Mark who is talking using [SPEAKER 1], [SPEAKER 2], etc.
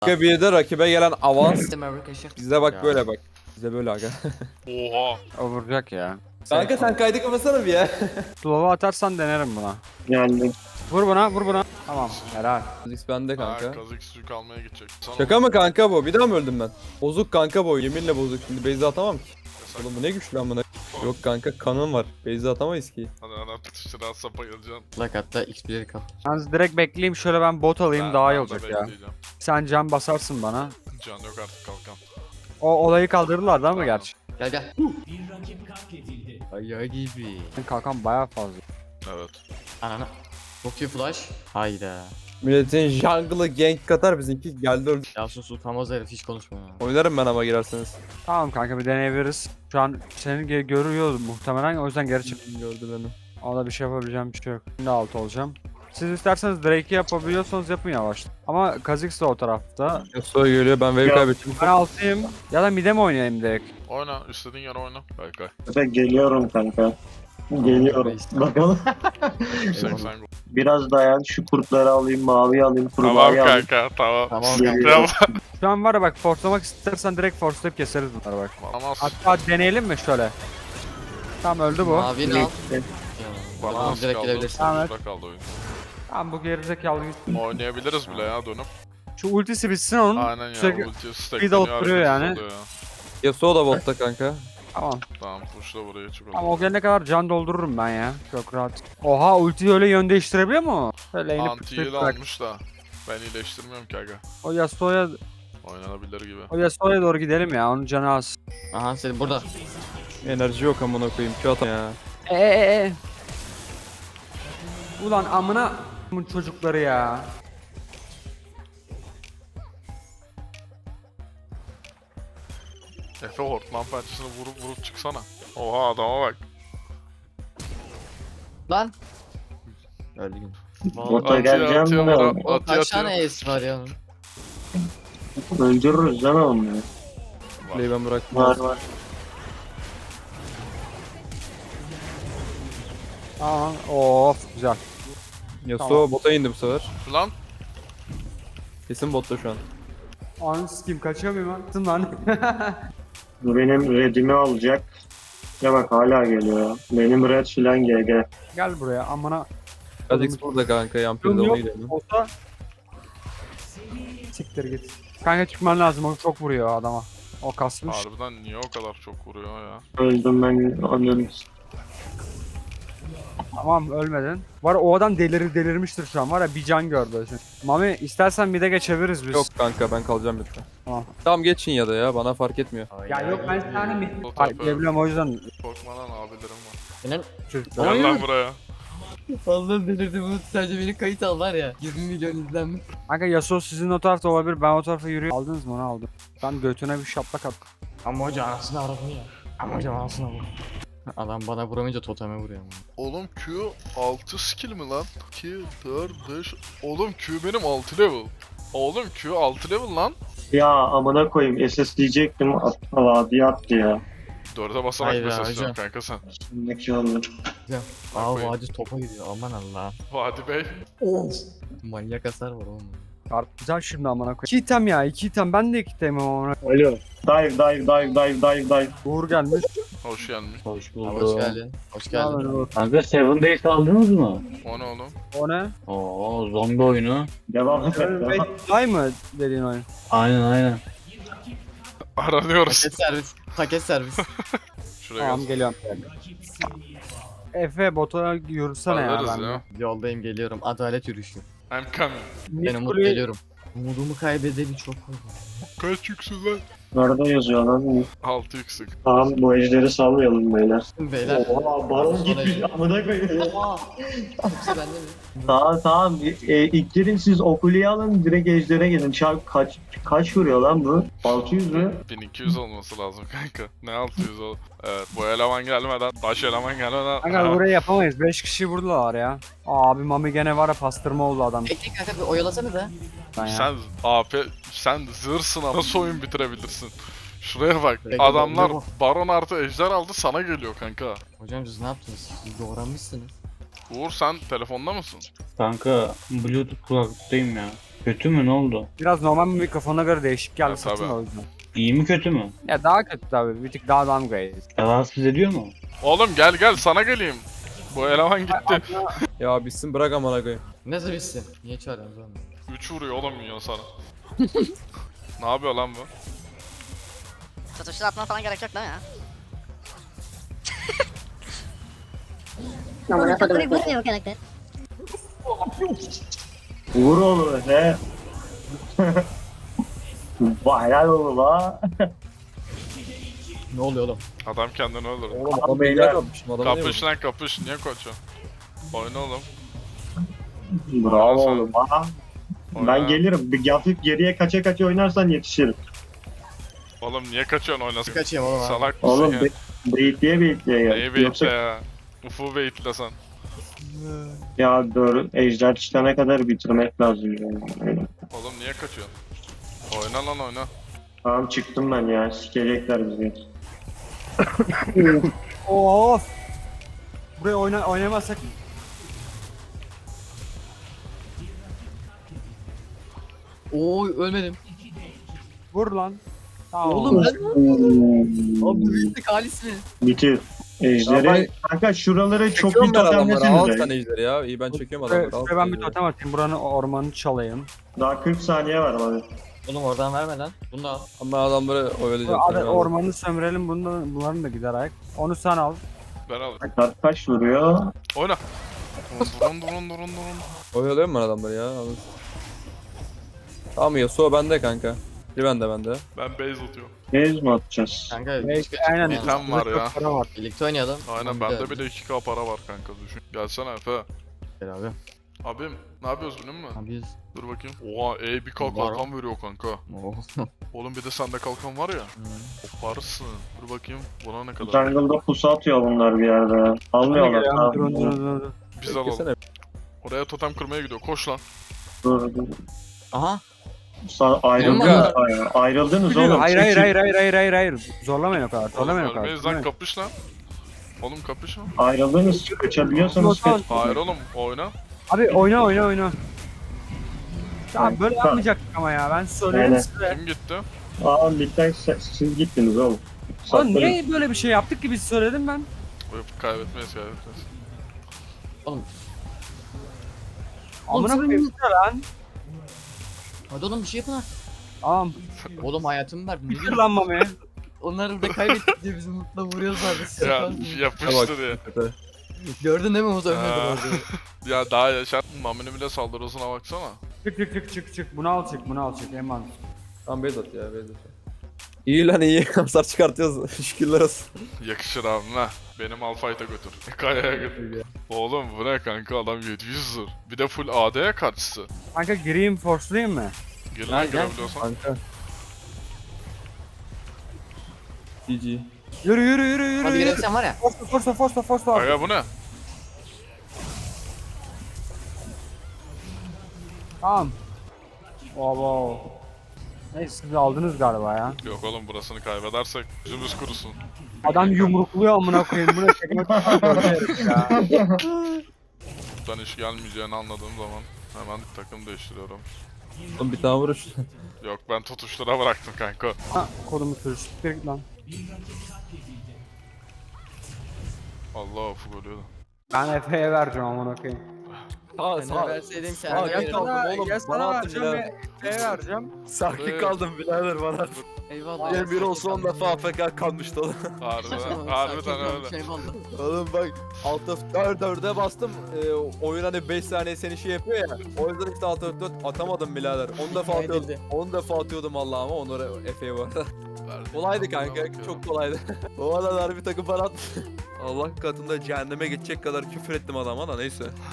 [SPEAKER 1] Bir de rakibe gelen avans.
[SPEAKER 2] Sistem arkadaşlar.
[SPEAKER 1] Bize bak
[SPEAKER 3] Ya.
[SPEAKER 1] böyle bak. Bize böyle aga.
[SPEAKER 4] Oha.
[SPEAKER 3] O vuracak ya.
[SPEAKER 1] Kanka sen kaydı kapasana bir ya.
[SPEAKER 3] Slow'a atarsan denerim buna.
[SPEAKER 5] Geldim.
[SPEAKER 3] Vur buna, vur buna. Tamam, helal.
[SPEAKER 1] X bende kanka.
[SPEAKER 4] Kazık suyu almaya gidecek. Sana
[SPEAKER 1] Şaka mı kanka bu? Bir daha mı öldüm ben? Bozuk kanka bu. Yeminle bozuk. Şimdi base'e atamam ki. Oğlum bu ne güçlü amına. Yok kanka kanım var. Base'e atamayız ki.
[SPEAKER 4] Hadi ana tutuştur az sapa geleceksin.
[SPEAKER 2] Like hatta XP'leri kal.
[SPEAKER 3] Yalnız direkt bekleyeyim şöyle ben bot alayım daha iyi
[SPEAKER 4] Ben de
[SPEAKER 3] olacak ya.
[SPEAKER 4] bekleyeceğim.
[SPEAKER 3] Sen can basarsın bana.
[SPEAKER 4] Can yok artık kalkan.
[SPEAKER 3] O olayı kaldırırlar değil mi gerçi?
[SPEAKER 2] Gel gel. Ayağı gibi.
[SPEAKER 3] Kalkan bayağı fazla.
[SPEAKER 4] Evet.
[SPEAKER 2] Anana. Çok iyi flash. Hayda.
[SPEAKER 1] Milletin jungle'ı gank katar bizimki geldi öldü.
[SPEAKER 2] Yasun utanmaz herif hiç konuşma ya.
[SPEAKER 1] Oynarım ben ama girerseniz.
[SPEAKER 3] Tamam kanka bir deneyebiliriz. Şu an seni görüyordu muhtemelen o yüzden geri çık.
[SPEAKER 1] Gördü beni.
[SPEAKER 3] Ona bir şey yapabileceğim bir şey yok. Şimdi alt olacağım. Siz isterseniz Drake'i yapabiliyorsanız yapın yavaş. Ama Kha'Zix de o tarafta.
[SPEAKER 1] Yasuo geliyor ben wave
[SPEAKER 5] Ya.
[SPEAKER 1] kaybettim.
[SPEAKER 3] Ben altıyım. Ya da mid'e mi oynayayım direkt?
[SPEAKER 4] Oyna. istediğin yere oyna. Kay kay.
[SPEAKER 5] Efe geliyorum kanka. Geliyorum. Bakalım.
[SPEAKER 4] 80 gol.
[SPEAKER 5] Biraz dayan şu kurtları alayım, mavi alayım,
[SPEAKER 4] Tamam
[SPEAKER 5] kurbağayı alayım.
[SPEAKER 4] kanka tamam.
[SPEAKER 2] Tamam.
[SPEAKER 5] Geliyorum.
[SPEAKER 3] Şu an var ya bak forslamak istersen direkt forslayıp keseriz bunları bak.
[SPEAKER 4] Bana
[SPEAKER 3] Hatta deneyelim mi şöyle? Tamam öldü bu.
[SPEAKER 2] Mavini al.
[SPEAKER 4] Bana
[SPEAKER 2] Tamam
[SPEAKER 4] nasıl
[SPEAKER 2] direkt
[SPEAKER 4] kaldı?
[SPEAKER 2] gelebilirsin.
[SPEAKER 3] Tamam,
[SPEAKER 4] Burada kaldı oyun.
[SPEAKER 3] Tamam bu gerizekalı git.
[SPEAKER 4] Oynayabiliriz bile ya dönüp.
[SPEAKER 3] Şu ultisi bitsin onun.
[SPEAKER 4] Aynen ya.
[SPEAKER 3] Sürekli
[SPEAKER 4] Ulti
[SPEAKER 3] bir de
[SPEAKER 4] stackleniyor
[SPEAKER 3] oturuyor yani.
[SPEAKER 4] hareketli oluyor ya.
[SPEAKER 1] Yasuo da botta kanka.
[SPEAKER 3] Tamam.
[SPEAKER 4] Tamam pushla buraya çık.
[SPEAKER 3] Ama o gelene kadar can doldururum ben ya. Çok rahat. Oha ultiyi öyle yön değiştirebiliyor mu? Öyle inip
[SPEAKER 4] Anti-heal almış da. Ben iyileştirmiyorum ki aga.
[SPEAKER 3] O Yasuo'ya
[SPEAKER 4] Oynanabilir gibi.
[SPEAKER 3] doğru gidelim ya. Onun canı az.
[SPEAKER 2] Aha seni burada.
[SPEAKER 1] Enerji yok amına koyayım. Şu atam ya.
[SPEAKER 3] Ulan amına bunun çocukları ya.
[SPEAKER 4] Efe hortman pençesini vurup çıksana. Oha adama bak.
[SPEAKER 2] Lan. Öldüm.
[SPEAKER 5] Bota geleceğim de
[SPEAKER 2] O kaç tane ace var ya onun?
[SPEAKER 5] öldürürüz lan onları.
[SPEAKER 1] Play'i ben bıraktım.
[SPEAKER 5] Var var.
[SPEAKER 3] Tamam. Of güzel.
[SPEAKER 1] Yasuo
[SPEAKER 3] Tamam.
[SPEAKER 1] bota indi bu sefer.
[SPEAKER 4] Lan
[SPEAKER 1] Kesin botta şu an.
[SPEAKER 3] Anı sikeyim kaçıyor muyum lan? Lan.
[SPEAKER 5] Bu benim redimi alacak. Ya bak hala geliyor ya. Benim red filan GG.
[SPEAKER 3] Gel buraya amına.
[SPEAKER 1] Kha'Zix burada kanka. Yampir'de
[SPEAKER 3] Yok
[SPEAKER 1] ona
[SPEAKER 3] yok.
[SPEAKER 1] gidelim.
[SPEAKER 3] Olsa. Siktir git. Kanka çıkman lazım o çok vuruyor adama. O kasmış.
[SPEAKER 4] harbiden niye o kadar çok vuruyor ya?
[SPEAKER 5] Öldüm ben onun.
[SPEAKER 3] Tamam ölmedin. Var o adam delirmiştir şu an var ya bir can gördü. Mami istersen mid'e geçebiliriz biz.
[SPEAKER 1] Yok kanka ben kalacağım lütfen.
[SPEAKER 3] Tamam.
[SPEAKER 1] Tamam geçin ya da ya bana fark etmiyor.
[SPEAKER 3] Ya yok ben sana mid.
[SPEAKER 4] Bu
[SPEAKER 3] Ay
[SPEAKER 4] tarafı-
[SPEAKER 3] gelebiliyorum o yüzden.
[SPEAKER 4] Korkmadan abilerim var.
[SPEAKER 2] Senin
[SPEAKER 3] Çocuklar.
[SPEAKER 4] Gel lan buraya.
[SPEAKER 2] fazla delirdi bunu sadece beni kayıt al var ya. 20 milyon izlenmiş.
[SPEAKER 3] Kanka Yasuo sizin o tarafta olabilir ben o tarafa yürüyorum. Aldınız mı onu aldım. Ben götüne bir şaplak attım.
[SPEAKER 2] Ama hoca anasını aradı ya. Ama hoca anasını aradı. Adam bana vuramayınca toteme vuruyor ama.
[SPEAKER 4] Oğlum Q 6 skill mi lan? 2, 4, 5. Oğlum Q benim 6 level. Oğlum Q 6 level lan.
[SPEAKER 5] Ya amına koyayım SS diyecektim. Vadi attı ya.
[SPEAKER 4] 4'e basarak
[SPEAKER 2] Hayır ya,
[SPEAKER 4] mesaj
[SPEAKER 2] hocam.
[SPEAKER 4] kanka sen.
[SPEAKER 5] Şimdiki olur.
[SPEAKER 2] Aa
[SPEAKER 4] koyayım.
[SPEAKER 2] vadi topa gidiyor aman Allah.
[SPEAKER 4] Vadi Bey.
[SPEAKER 2] Manyak hasar var oğlum.
[SPEAKER 3] Güzel şimdi amına koyayım. 2 item ya 2 item ben de 2 itemim amına.
[SPEAKER 5] Alo. Dive.
[SPEAKER 3] Uğur gelmiş.
[SPEAKER 4] Hoş gelmiş.
[SPEAKER 5] Hoş
[SPEAKER 2] Abi hoş geldin. Hoş
[SPEAKER 3] Ne
[SPEAKER 2] geldin.
[SPEAKER 3] haber Uğur?
[SPEAKER 6] Kanka Seven Days aldınız mı?
[SPEAKER 4] O ne oğlum?
[SPEAKER 3] O ne?
[SPEAKER 6] Oo zombi oyunu.
[SPEAKER 5] Devam et.
[SPEAKER 3] Ay mı dediğin oyun?
[SPEAKER 6] Aynen.
[SPEAKER 4] Aranıyoruz.
[SPEAKER 2] Paket servis. Paket servis.
[SPEAKER 4] Şuraya
[SPEAKER 3] Tamam
[SPEAKER 4] gel.
[SPEAKER 3] geliyorum. Efe bota yürüsene ya
[SPEAKER 4] Alırız
[SPEAKER 3] ben.
[SPEAKER 4] ya.
[SPEAKER 2] Yoldayım geliyorum. Adalet yürüyüşü.
[SPEAKER 4] I'm coming.
[SPEAKER 2] Ben Umut geliyorum. Umudumu kaybedeli çok oldu.
[SPEAKER 4] Kaç yüksün lan?
[SPEAKER 5] Nerede yazıyor lan?
[SPEAKER 4] 6 yüksek.
[SPEAKER 5] Tamam bu ejderi salmayalım beyler.
[SPEAKER 2] Beyler.
[SPEAKER 5] Oha baron gitmiş amına koyayım.
[SPEAKER 2] Oha. Hepsi bende mi?
[SPEAKER 5] Tamam. İlk girin siz okuliyi alın direkt ejdere gelin. Kaç vuruyor lan bu? 600 mü?
[SPEAKER 4] 1200 olması lazım kanka. Ne 600 ol? Evet bu eleman gelmeden, baş eleman gelmeden.
[SPEAKER 3] Kanka burayı yapamayız. 5 kişi vurdular ya. Abi Mami gene var ya pastırma oldu adam.
[SPEAKER 2] Bekle kanka bir oyalasana da.
[SPEAKER 3] Ben ya.
[SPEAKER 4] Sen AP, sen zırsın ama nasıl oyun bitirebilirsin? Şuraya bak.
[SPEAKER 2] Bekle,
[SPEAKER 4] Adamlar
[SPEAKER 2] bekle.
[SPEAKER 4] baron artı ejder aldı sana geliyor kanka.
[SPEAKER 2] Hocam siz ne yaptınız? Siz doğranmışsınız.
[SPEAKER 4] Uğur sen telefonda mısın?
[SPEAKER 6] Kanka Bluetooth kulaklıktayım ya. Kötü mü, ne oldu?
[SPEAKER 3] Biraz normal bir mikrofona göre değişik geldi
[SPEAKER 4] Ha,
[SPEAKER 3] sesim
[SPEAKER 4] tabii.
[SPEAKER 3] o yüzden.
[SPEAKER 6] İyi mi kötü mü?
[SPEAKER 3] Ya daha kötü tabii. Bir tık daha downgrade.
[SPEAKER 6] Rahatsız ediyor mu?
[SPEAKER 4] Oğlum gel sana geleyim. Bu eleman gitti.
[SPEAKER 1] Ya bitsin bırak amına koyayım.
[SPEAKER 2] Nasıl bitsin? Niye çağırıyorsunuz oğlum?
[SPEAKER 4] 3 vuruyor oğlum minyon sana. Ne yapıyor lan bu?
[SPEAKER 7] Tutuştur atman falan gerek yok değil mi ya?
[SPEAKER 8] Amına kodum. Vurmuyor karakter.
[SPEAKER 5] Vur oğlum he. Vay helal oğlum ha.
[SPEAKER 2] Ne oluyor oğlum?
[SPEAKER 4] Adam kendini öldürdü.
[SPEAKER 1] Oğlum
[SPEAKER 5] Abi
[SPEAKER 1] adam
[SPEAKER 5] beyler.
[SPEAKER 1] beyler yapmışım adamı niye
[SPEAKER 4] Kapış lan kapış. Niye koçum? Oyna oğlum.
[SPEAKER 5] Bravo oğlum ha.
[SPEAKER 4] Oyna.
[SPEAKER 5] Ben gelirim. Bir hafif geriye kaça kaça oynarsan yetişirim.
[SPEAKER 4] Oğlum niye kaçıyorsun oynasın?
[SPEAKER 2] Kaçayım oğlum abi.
[SPEAKER 4] Salak mısın
[SPEAKER 5] Oğlum
[SPEAKER 4] ya?
[SPEAKER 5] beyitleye gel.
[SPEAKER 4] Neyi beyitle ya? Ufu beyitle sen.
[SPEAKER 5] Ya dur ejder çıkana kadar bitirmek lazım yani.
[SPEAKER 4] Oğlum niye kaçıyorsun? Oyna lan oyna.
[SPEAKER 5] Tamam çıktım ben ya. Sikecekler bizi.
[SPEAKER 3] Of. Buraya oynamazsak
[SPEAKER 2] Oo ölmedim.
[SPEAKER 3] vur lan. Tamam.
[SPEAKER 2] Oğlum ben abi büyüklük halis mi?
[SPEAKER 5] Bitir.
[SPEAKER 1] Ya
[SPEAKER 5] Ejderi.
[SPEAKER 1] ben-
[SPEAKER 5] Kanka şuraları çok
[SPEAKER 1] Çekiyorum
[SPEAKER 5] bir
[SPEAKER 1] ben adamları. Al
[SPEAKER 5] totemlesiniz.
[SPEAKER 1] sen ejderi ya. İyi ben çekiyorum
[SPEAKER 3] Şuraya
[SPEAKER 1] adamları. Al
[SPEAKER 3] şuraya ben bir
[SPEAKER 1] ejderi.
[SPEAKER 3] totem atayım. Buranın ormanını çalayım.
[SPEAKER 5] Daha 40 saniye var abi.
[SPEAKER 2] Oğlum oradan verme lan. Bunu da al.
[SPEAKER 1] Ama ben adamları oyalayacağım.
[SPEAKER 3] Hadi
[SPEAKER 1] seni, al.
[SPEAKER 3] ormanı sömürelim. Bunların da gider ayak. Onu sen al.
[SPEAKER 4] Ben alırım.
[SPEAKER 5] Kaç vuruyor?
[SPEAKER 4] Oyna. Durun.
[SPEAKER 1] Oyalıyorum ben adamları ya. Al. Tamam Yasuo bende kanka. Bir bende.
[SPEAKER 4] Ben base atıyorum.
[SPEAKER 5] Base mi atacağız?
[SPEAKER 2] Kanka
[SPEAKER 3] Belki
[SPEAKER 2] çıkma
[SPEAKER 3] aynen.
[SPEAKER 2] çıkma.
[SPEAKER 4] Tam var
[SPEAKER 3] Burada
[SPEAKER 4] ya.
[SPEAKER 3] çok para var.
[SPEAKER 2] Birlikte oynayalım.
[SPEAKER 4] Aynen
[SPEAKER 2] Tamam,
[SPEAKER 4] bende
[SPEAKER 2] bir
[SPEAKER 4] bile 2k para var kanka düşün. Gelsene Efe.
[SPEAKER 2] Gel abi.
[SPEAKER 4] Abim ne yapıyoruz biliyor musun?
[SPEAKER 2] Abi biz.
[SPEAKER 4] Dur bakayım. Oha bir
[SPEAKER 2] Var.
[SPEAKER 4] kalkan veriyor kanka.
[SPEAKER 2] Oo.
[SPEAKER 4] Oğlum bir de sende kalkan var ya.
[SPEAKER 2] Hı.
[SPEAKER 4] Koparsın. Dur bakayım buna ne kadar?
[SPEAKER 5] Jungle'da pusu atıyor bunlar bir yerde ya. Almıyorlar.
[SPEAKER 3] Durun
[SPEAKER 5] Tamam.
[SPEAKER 3] durun.
[SPEAKER 4] Biz alalım.
[SPEAKER 1] Beklesene.
[SPEAKER 4] Oraya totem kırmaya gidiyor. Koş lan.
[SPEAKER 5] Dur.
[SPEAKER 2] Aha.
[SPEAKER 5] Ayrıldınız. Ayrıldınız oğlum.
[SPEAKER 3] Hayır. Zorlamayın o kadar. Zorlamayın o kadar.
[SPEAKER 4] Ölmeyiz lan kapış lan. Oğlum kapış lan.
[SPEAKER 5] Ayrıldınız. Kaçabiliyorsanız
[SPEAKER 3] Tamam.
[SPEAKER 5] kaç.
[SPEAKER 4] Hayır oğlum oyna.
[SPEAKER 3] Abi oyna. Tamam böyle
[SPEAKER 5] Tamam.
[SPEAKER 3] yapmayacaktık ama ya. Ben söylerim
[SPEAKER 5] Aynen.
[SPEAKER 3] size.
[SPEAKER 4] Kim gitti?
[SPEAKER 5] Aa midden siz gittiniz oğlum.
[SPEAKER 3] Oğlum
[SPEAKER 5] Saklanın.
[SPEAKER 3] niye böyle bir şey yaptık ki biz söyledim ben.
[SPEAKER 4] Yok, kaybetmeyiz.
[SPEAKER 3] Amına
[SPEAKER 2] sen-
[SPEAKER 3] koyayım size lan.
[SPEAKER 2] Hadi oğlum bir şey yapın ha.
[SPEAKER 3] Tamam.
[SPEAKER 2] Oğlum hayatımı verdim. Ne diyorsun?
[SPEAKER 3] Kırlanma be.
[SPEAKER 2] Onlar burada kaybettik diye bizi mutlu vuruyorlar. Siz
[SPEAKER 4] Ya
[SPEAKER 2] yaparsınız.
[SPEAKER 4] yapıştır ya.
[SPEAKER 2] Gördün değil mi Umut ölmedi
[SPEAKER 4] Aa.
[SPEAKER 2] orada.
[SPEAKER 4] Ya daha yaşar. Mamini bile saldırısına baksana.
[SPEAKER 3] Çık. Bunu al çık. Eman.
[SPEAKER 1] Tamam base at ya base at. İyi lan iyi. Hasar çıkartıyoruz. Şükürler olsun.
[SPEAKER 4] Yakışır abim ha. Benim Alfayt'a götür. Kaya'ya götür. Oğlum bu ne kanka adam 700 'dur. Bir de full AD'ye karşısı.
[SPEAKER 3] Kanka gireyim forcelayayım mı?
[SPEAKER 4] Gelin lan
[SPEAKER 2] Gel.
[SPEAKER 4] girebiliyorsan.
[SPEAKER 1] Kanka. GG.
[SPEAKER 3] Yürü.
[SPEAKER 2] Hadi girebilsen var ya.
[SPEAKER 3] Force.
[SPEAKER 4] Aga bu ne?
[SPEAKER 3] Tamam. Wow. Neyse siz aldınız galiba ya.
[SPEAKER 4] Yok oğlum burasını kaybedersek yüzümüz kurusun.
[SPEAKER 3] Adam yumrukluyor amına koyayım. Bu ne çekmek ya.
[SPEAKER 4] Buradan iş gelmeyeceğini anladığım zaman hemen takım değiştiriyorum.
[SPEAKER 1] Oğlum bir tane vuruş.
[SPEAKER 4] Yok ben tutuştura bıraktım kanka.
[SPEAKER 3] Ha kodumu sürüş. Bir git lan.
[SPEAKER 4] Allah ufuk ölüyordu.
[SPEAKER 3] Ben Efe'ye vereceğim amına koyayım.
[SPEAKER 2] Sen verseydin sen
[SPEAKER 1] Sağ-
[SPEAKER 2] de
[SPEAKER 1] Gel
[SPEAKER 2] verirdin.
[SPEAKER 1] kaldım oğlum,
[SPEAKER 3] Gel
[SPEAKER 1] bana
[SPEAKER 3] sana
[SPEAKER 1] attın
[SPEAKER 3] vereceğim
[SPEAKER 1] birader.
[SPEAKER 3] ve Efe'ye vereceğim.
[SPEAKER 1] Sakin kaldım birader bana.
[SPEAKER 2] Eyvallah.
[SPEAKER 1] Gel biri olsa 10 defa AFK kalmıştı oğlum.
[SPEAKER 4] Harbiden öyle.
[SPEAKER 2] Eyvallah.
[SPEAKER 1] Oğlum bak alt F4'e bastım. Oyun hani 5 saniye seni şey yapıyor ya. O yüzden işte alt F4 atamadım birader. 10 defa atıyordum.
[SPEAKER 2] Edildi.
[SPEAKER 1] 10 defa atıyordum Allah'ım ama onları Efe'ye bu arada.
[SPEAKER 4] Verdim.
[SPEAKER 1] Kolaydı kanka. Çok kolaydı. O arada bir takım bana attı. Allah katında cehenneme geçecek kadar küfür ettim adama da neyse.